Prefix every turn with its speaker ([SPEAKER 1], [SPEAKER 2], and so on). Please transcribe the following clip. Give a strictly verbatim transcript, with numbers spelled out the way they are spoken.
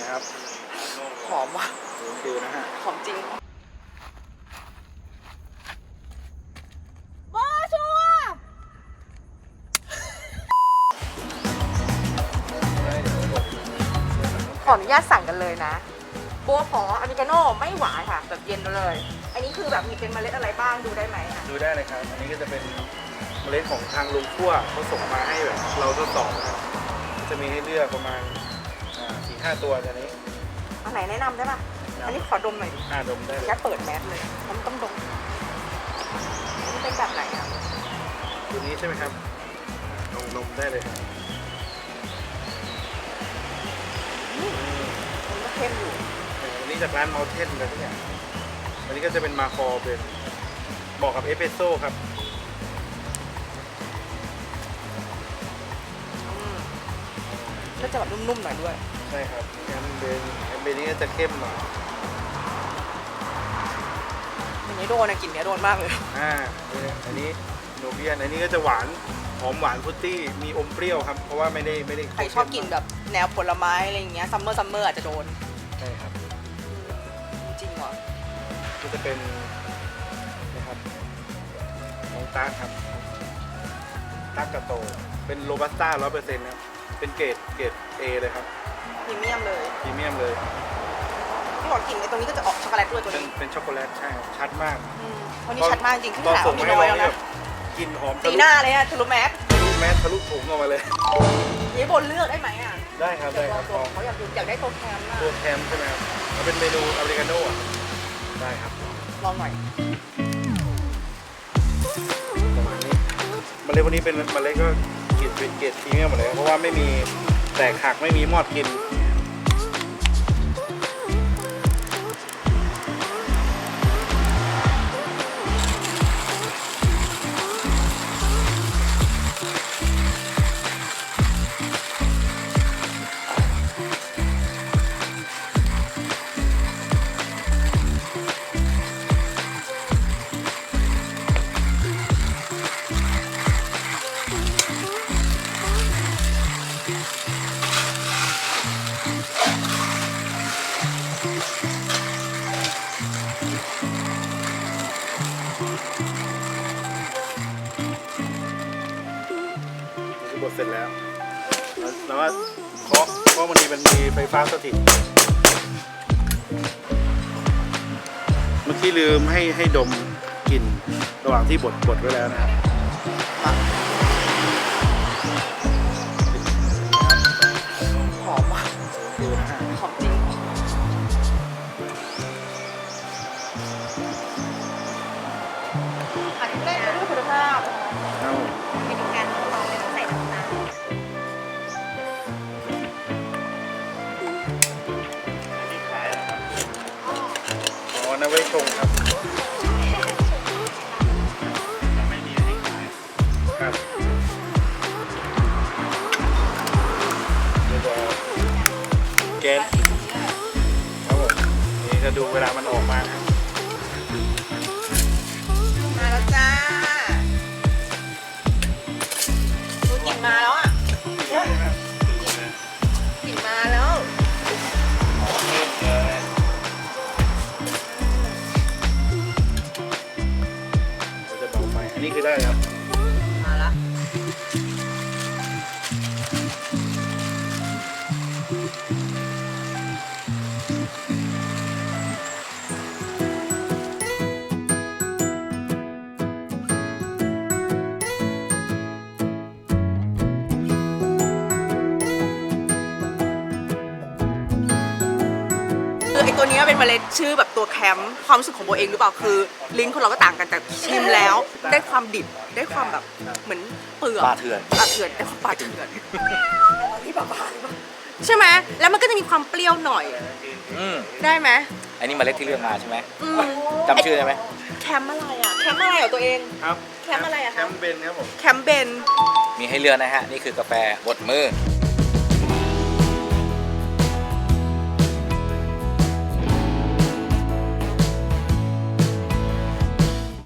[SPEAKER 1] ครับ
[SPEAKER 2] หอมว่ะ
[SPEAKER 1] ดูนะฮะ
[SPEAKER 2] หอมจริงบอชัวขออนุญาตสั่งกันเลยนะโบขออเมริกาโน่ไม่หวานค่ะแบบเย็นเลยอันนี้คือแบบมีเป็นเมล็ดอะไรบ้างดูได้ไหมคะ
[SPEAKER 1] ดูได้เลยครับอันนี้ก็จะเป็นเมล็ดของทางลุงขั้วเขาส่งมาให้แบบเราทดสอบนะครับจะมีให้เลือกประมาณสี่ห้าตัวตอนนี้
[SPEAKER 2] อันไหนแนะนำได้ป่ะอันนี้ขอดมหน่อยดิ
[SPEAKER 1] อ่าดมได้เลย
[SPEAKER 2] แค่เปิดแมสเลยมันต้องดมนี่เป็นแบบไหนอ่ะ
[SPEAKER 1] ตัวนี้ใช่ไหมครับลองดมได้เลย
[SPEAKER 2] มันก็เข้มอยู่
[SPEAKER 1] อันนี้จากร้านเมลเทนอะไรทุกอย่างอันนี้ก็จะเป็นมาคอเป็นเหมาะกับเอสเปรสโซ่ครับ
[SPEAKER 2] ก็จะแบบนุ่มๆหน่อยด้วย
[SPEAKER 1] ใช่ครับแอมเบนแอมเบนนี้ก็จะเข้มหน่อย
[SPEAKER 2] อันนี้โดนนะกลิ่นเนี้ยโดนมากเลย
[SPEAKER 1] อ่าอันนี้โนเบียนอันนี้ก็จะหวานหอมหวานฟรุตตี้มีอมเปรี้ยวครับเพราะว่าไม่ได้ไม่ได้
[SPEAKER 2] ใครชอบกินแบบแนวผลไม้อะไรอย่างเงี้ยซัมเมอร์ซัมเมอร์อาจจะโดน
[SPEAKER 1] ใช่ครับ
[SPEAKER 2] จริงว่ะ
[SPEAKER 1] ก็จะเป็นนะครับน้องตาร์ครับตาร์กาโตเป็นโรบัสต้าร้อยเปอร์เซ็นต์ครับเป็นเกรดเกรดเอเลยครับ
[SPEAKER 2] พรีเมียมเลย
[SPEAKER 1] พรีเมียมเลย
[SPEAKER 2] พี่บอกกลิ่นไอ้ตรงนี้ก็จะออกช็อกโกแลตด้วยตัว
[SPEAKER 1] เป็น
[SPEAKER 2] นี้
[SPEAKER 1] เป็นช็อกโกแลตใช่ครับชัดมาก
[SPEAKER 2] อืมวันนี้ชัดมากจริงขึ้น
[SPEAKER 1] ตอน
[SPEAKER 2] หา
[SPEAKER 1] ส่ง
[SPEAKER 2] มี
[SPEAKER 1] ให้
[SPEAKER 2] น้อย
[SPEAKER 1] เรา
[SPEAKER 2] แล้ว
[SPEAKER 1] เนี่ย
[SPEAKER 2] นะ
[SPEAKER 1] กลิ่นหอม
[SPEAKER 2] ตีหน้าเลยอะทะลุแมส
[SPEAKER 1] ทะลุแมสทะลุถุงออกมาเลย
[SPEAKER 2] นี่บนเลือกได้ไหมอ่ะ
[SPEAKER 1] ได้ครับได้ครับ
[SPEAKER 2] ตัวเขาอยากดูอยากได้ตัวแคมอะ
[SPEAKER 1] ตัวแคมใช่ไหมครับมันเป็นเมนูอเมริกาโน่อะได้ครับ
[SPEAKER 2] ลองหน่อย
[SPEAKER 1] ประมาณนี้เมล็ดพวกนี้เป็นเมล็ดก็เกรดเป็นเกรดพรีเมียมหมดเลยเพราะว่าไม่มีแตกหักไม่มีมอดกินบดเสร็จแล้ว แล้วว่าเคาะเพราะมันมีมันมีไฟฟ้าสถิตเมื่อกี้ลืมให้ให้ดมกลิ่นระหว่างที่บดบดไว้แล้วนะครับ
[SPEAKER 2] หอมว่ะ
[SPEAKER 1] ดูนะฮะ
[SPEAKER 2] หอมจริงอันนี้เล่นไปด้วยคุณภาพ
[SPEAKER 1] เอา
[SPEAKER 2] วิธีการของเราไม่ต้องใส่น้ำตาล
[SPEAKER 1] อ๋อนะไว้ชงครับครับเดี๋ยวบอกแก๊สครับผมนี่จะดูเวลามันออกมานะครับ
[SPEAKER 2] มาแล้วจ้าดูกลิ่นมาแล้วอ่ะกลิ่นมาแล้ว
[SPEAKER 1] เราจะเบาไฟอันนี้คือได้ครับ
[SPEAKER 2] มาละคือไอตัวเนี้ยเป็นเมล็ดชื่อแบบตัวแคมป์ความรู้สึกของโบเองหรือเปล่าคือลิ้นคนเราก็ต่างกันแต่ชิมแล้วได้ความดิบได้ความแบบเหมือนเปลือก
[SPEAKER 3] ปลาเถื่อน
[SPEAKER 2] ปลาเถื่อนได้ความปลาเถื่อนนี่ปลาปลาใช่ไหมแล้วมันก็จะมีความเปรี้ยวหน่อย
[SPEAKER 3] อืม
[SPEAKER 2] ได้ไหม
[SPEAKER 3] อันนี้เมล็ดที่เลือกมาใช่ไหม
[SPEAKER 2] อืม
[SPEAKER 3] จำชื่อได้ไหม
[SPEAKER 2] แคมป์อะไรอ่ะแคมป์อะไรเหรอตัวเอง
[SPEAKER 1] ครับ
[SPEAKER 2] แคมป์อะไรอะคะ
[SPEAKER 1] แคมป์เบนครับผม
[SPEAKER 2] แคมป์เบน
[SPEAKER 3] มีให้เลือกนะฮะ นี่คือกาแฟบดมือ